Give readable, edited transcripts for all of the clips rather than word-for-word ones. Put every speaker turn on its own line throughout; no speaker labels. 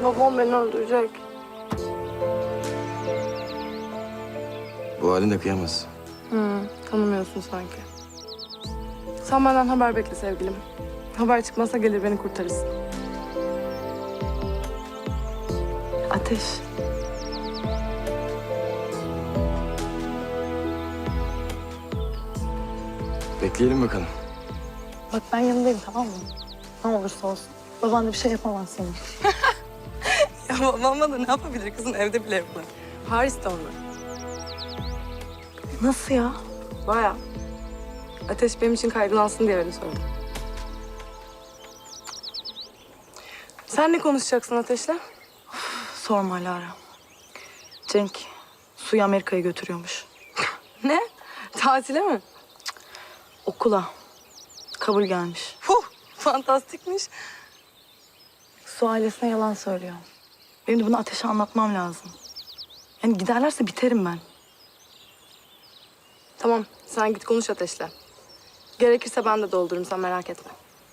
Babam beni öldürecek.
Bu halinde kıyamaz.
Tanımıyorsun sanki. Sen benden haber bekle sevgilim. Haber çıkmazsa gelir beni kurtarırsın. Ateş.
Bekleyelim bakalım.
Bak ben yanındayım, tamam mı? Ne olursa olsun. Baban da bir şey yapamaz sana.
Ya babam bana ne yapabilir kızım? Evde bile yapar. Paris'te onlar.
Nasıl ya?
Baya. Ateş benim için kaygılansın diye öyle söyledim. Sen ne konuşacaksın Ateş'le?
Sorma Lara. Cenk Su'yu Amerika'ya götürüyormuş.
Ne? Tatile mi?
Okula. Kabul gelmiş.
Fantastikmiş.
Su ailesine yalan söylüyor. Benim de bunu Ateş'e anlatmam lazım. Yani giderlerse biterim ben.
Tamam, sen git konuş Ateş'le. Gerekirse ben de doldururum, sen merak etme.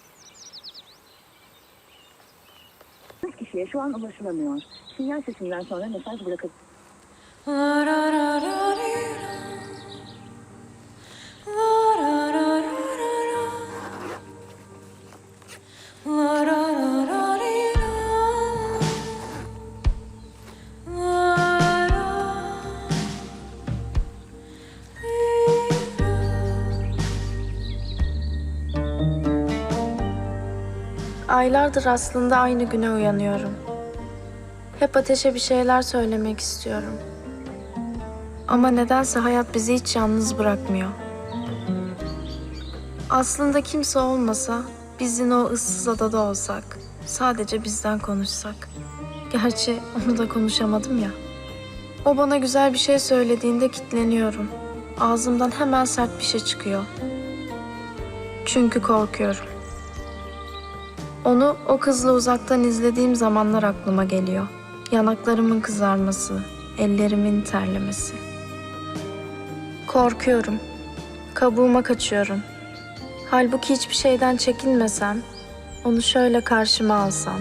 Kişiye şu an ulaşılamıyor. Sinyal sesinden sonra mesaj bırakın.
Aylardır aslında aynı güne uyanıyorum. Hep Ateş'e bir şeyler söylemek istiyorum. Ama nedense hayat bizi hiç yalnız bırakmıyor. Aslında kimse olmasa, biz yine o ıssız adada olsak, sadece bizden konuşsak. Gerçi onu da konuşamadım ya. O bana güzel bir şey söylediğinde kilitleniyorum. Ağzımdan hemen sert bir şey çıkıyor. Çünkü korkuyorum. Onu o kızla uzaktan izlediğim zamanlar aklıma geliyor. Yanaklarımın kızarması, ellerimin terlemesi. Korkuyorum. Kabuğuma kaçıyorum. Halbuki hiçbir şeyden çekinmesem, onu şöyle karşıma alsam.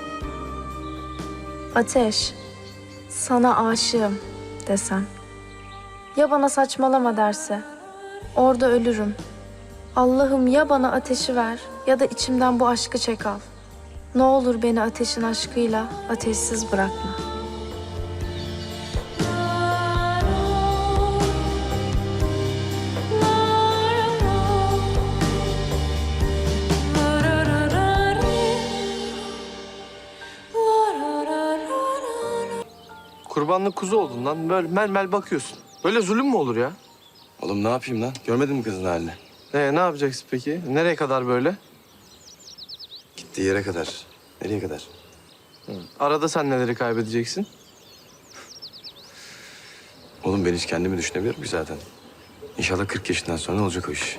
Ateş, sana aşığım desem. Ya bana saçmalama derse? Orada ölürüm. Allah'ım ya bana ateşi ver ya da içimden bu aşkı çek al. Ne olur beni ateşin aşkıyla ateşsiz bırakma.
Kurbanlık kuzu oldun lan. Böyle mel bakıyorsun. Böyle zulüm mü olur ya?
Oğlum ne yapayım lan? Görmedin mi kızın halini?
Ne yapacaksın peki? Nereye kadar böyle?
Gittiği yere kadar. Nereye kadar?
Arada sen neleri kaybedeceksin?
Oğlum ben hiç kendimi düşünebilirim ki zaten. İnşallah 40 yaşından sonra olacak o iş.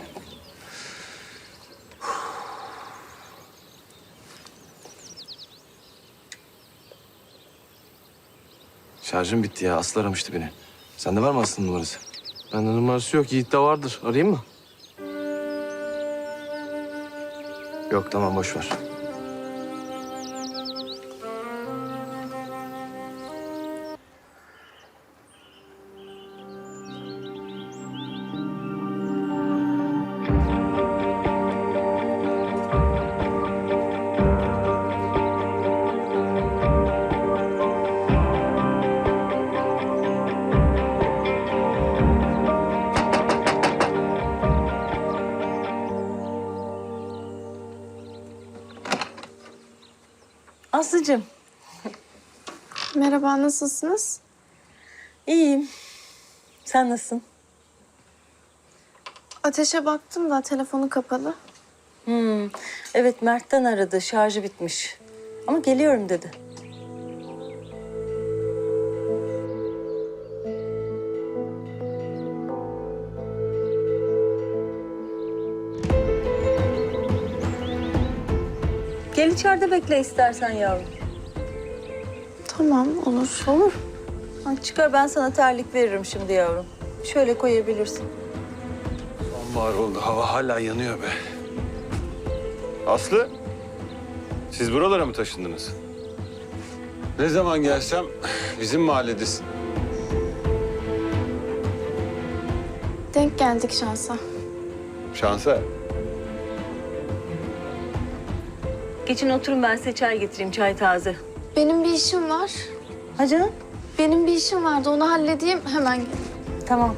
Şarjım bitti ya. Aslı aramıştı beni. Sende var mı Aslı'nın numarası?
Bende numarası yok. Yiğit'te vardır. Arayayım mı?
Yok tamam boş ver.
Aslıcığım.
Merhaba, nasılsınız?
İyiyim. Sen nasılsın?
Ateşe baktım da telefonu kapalı.
Evet, Mert'ten aradı. Şarjı bitmiş. Ama geliyorum dedi. Gel içeride bekle istersen yavrum.
Tamam, olur.
Olur. Ha, çıkar ben sana terlik veririm şimdi yavrum. Şöyle koyabilirsin.
Sonbahar oldu. Hava hala yanıyor be.
Aslı, siz buralara mı taşındınız? Ne zaman gelsem bizim mahalledesin.
Denk geldik şansa.
Şansa.
Geçin oturun, ben size çay getireyim, çay taze.
Benim bir işim var.
Ha canım?
Benim bir işim vardı, onu halledeyim hemen gel.
Tamam.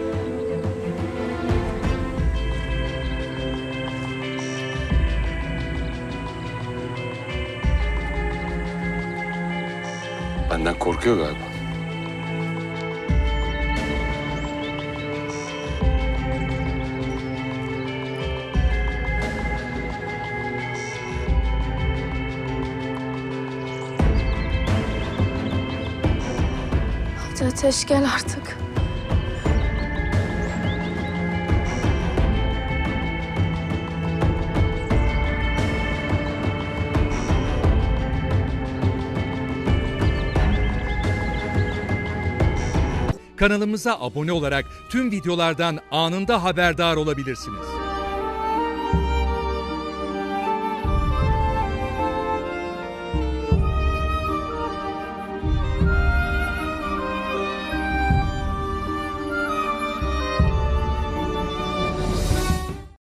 Benden korkuyor galiba.
Hadi Ateş gel artık.
Kanalımıza abone olarak tüm videolardan anında haberdar olabilirsiniz.